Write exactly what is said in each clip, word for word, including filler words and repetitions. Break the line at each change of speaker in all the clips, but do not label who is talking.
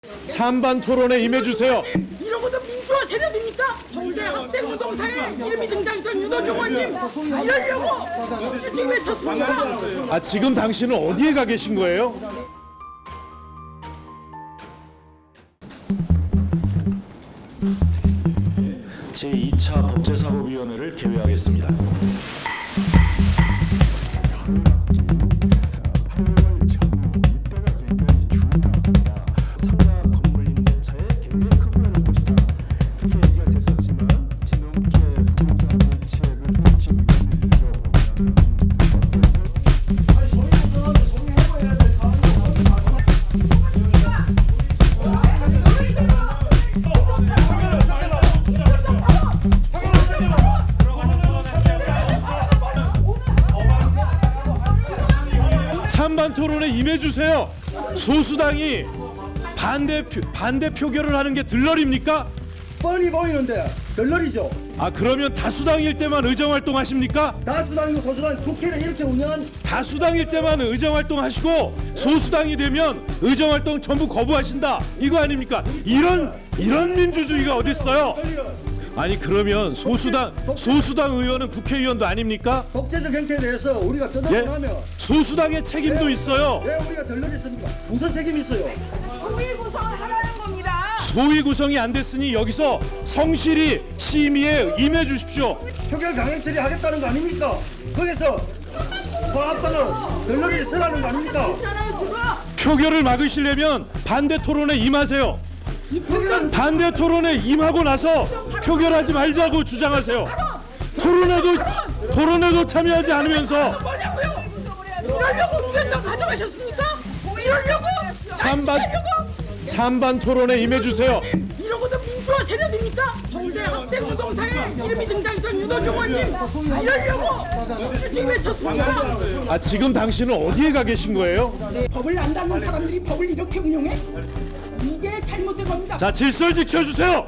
찬반 토론에 임해주세요.
이러고도 민주화 세력입니까? 서울대 학생노동사에 이름이 등장했던 유도종 의원님 이러려고 민주주의 외쳤습니까?
아, 지금 당신은 어디에 가 계신 거예요?
제이 차 법제사법위원회를 개회하겠습니다.
찬반 토론에 임해주세요. 소수당이 반대 표, 반대 표결을 하는 게 들러리입니까?
뻔히 보이는데 별놀이죠.
아, 그러면 다수당일 때만 의정 활동하십니까?
다수당이고 소수당 국회를 이렇게 운영한
다수당일 때만 의정 활동하시고 소수당이 되면 의정 활동 전부 거부하신다, 이거 아닙니까? 이런 이런 민주주의가 어디 있어요? 아니, 그러면 소수당 소수당 의원은 국회의원도 아닙니까?
독재적 형태에 대해서 우리가
예?
떠나보면
소수당의 책임도 있어요.
왜 우리가 별놀이 씁니까? 무슨 책임이 있어요?
소위 구성을 하라는 겁니다.
소위 구성이 안 됐으니 여기서 성실히 심의에 임해 주십시오.
표결 강행 처리하겠다는 거 아닙니까? 거기서 과학당을 별놀이를 쓰라는 거 아닙니까?
있잖아요 지금.
표결을 막으시려면 반대 토론에 임하세요. 반대 토론에 임하고 나서 표결하지 말자고 주장하세요. 토론에도 토론에도 참여하지 않으면서
뭐냐고요? 이러려고 위원장 가져가셨습니까? 이러려고?
찬반
지키려고?
찬반 토론에 임해주세요.
이러고도 민주화 세력입니까? 서울대 학생노동사에 이름이 등장했던 유도종 의원님 이러려고 민주주의 외쳤습니까?
아, 지금 당신은 어디에 가 계신 거예요?
법을 안 닫는 사람들이 법을 이렇게 운용해? 이게 잘못된 겁니다.
자, 질서를 지켜주세요.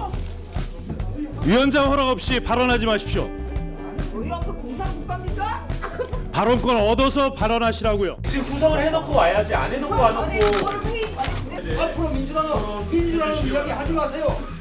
위원장 허락 없이 발언하지 마십시오.
여기가 그 공산국가입니까?
발언권 얻어서 발언하시라고요.
지금 구성을 해놓고 와야지 안 해놓고 와놓고
앞으로 민주당은 민주라는 이야기 하지 마세요.